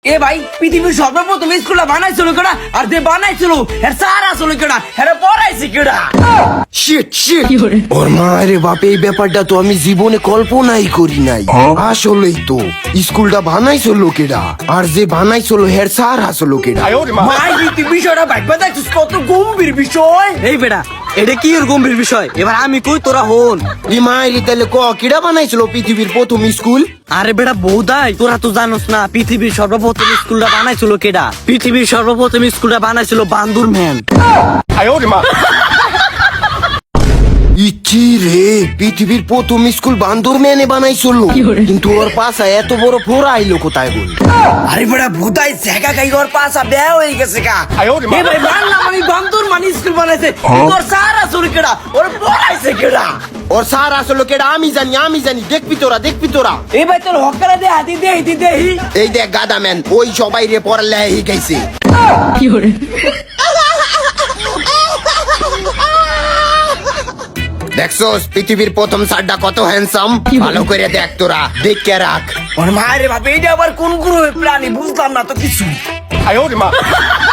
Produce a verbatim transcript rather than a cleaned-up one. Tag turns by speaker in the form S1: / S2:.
S1: এ ভাই পৃথিবীর সর্বপ্রথম স্কুলটা বানাইছিল কেডা? আর যে বানাইছিল এর স্যার আসলে কেডা? এর পড়াইছে কেডা?
S2: শিট শিট ওর মা রে বাপ, এই ব্যাপারটা তো আমি জীবনে কল্পনাই করি নাই। আসলেই তো স্কুলটা বানাইছো লোকেরা, আর যে বানাইছো হের স্যার আসলো লোকেরা।
S1: ভাই তুই বিষয়টা ভাববা দেখছিস কত গম্ভীর বিষয়।
S3: এই বেটা, এটা কি এর গম্ভীর বিষয়? এবার আমি কই, তোরা হন।
S2: এই মায়ের তাহলে ক কিরা বানাইছিল পৃথিবীর প্রথম স্কুল?
S3: আরে বেটা বৌদাই, তোরা তো জানোস না পৃথিবীর সর্বপ্রথম স্কুলটা বানাইছিল কেডা? পৃথিবীর সর্বপ্রথম স্কুলটা বানাইছিল বান্দুর ম্যান।
S2: ইচ্ছি রে, পৃথিবীর প্রথম স্কুল বান্দর ম্যানে বানাইছিল, কিন্তু ওর পাশা এত বড় ফোড়া আইলো কোথায় বল?
S1: আরে বড়া ভূতাই জায়গা খাই ওর পাশা বেয়া হয়ে গেছে কা। এ ভাই বাংলা মানে বান্দর মানে স্কুল বানাইছে, তোর স্যার আসলে কেডা? ওর পড়াইছে কেডা?
S2: ওর স্যার আসলো কেডা আমি জানি, আমি জানি। দেখবি তোরা, দেখবি তোরা।
S1: এ ভাই তোর হকারা দে হাতি দে হাতি দে।
S2: এই দেখ গাদা ম্যান, ওই সবাই রে পড়ালেখা শিখাইছে। দেখছোস পৃথিবীর প্রথম স্যারটা কত হ্যান্ডসাম? ভালো করে দেখ তোরা, দেখে রাখ।
S1: ওর মায়ের বাপ, এইটা আবার কোন গ্রহের প্রাণী বুঝলাম না তো কিছু।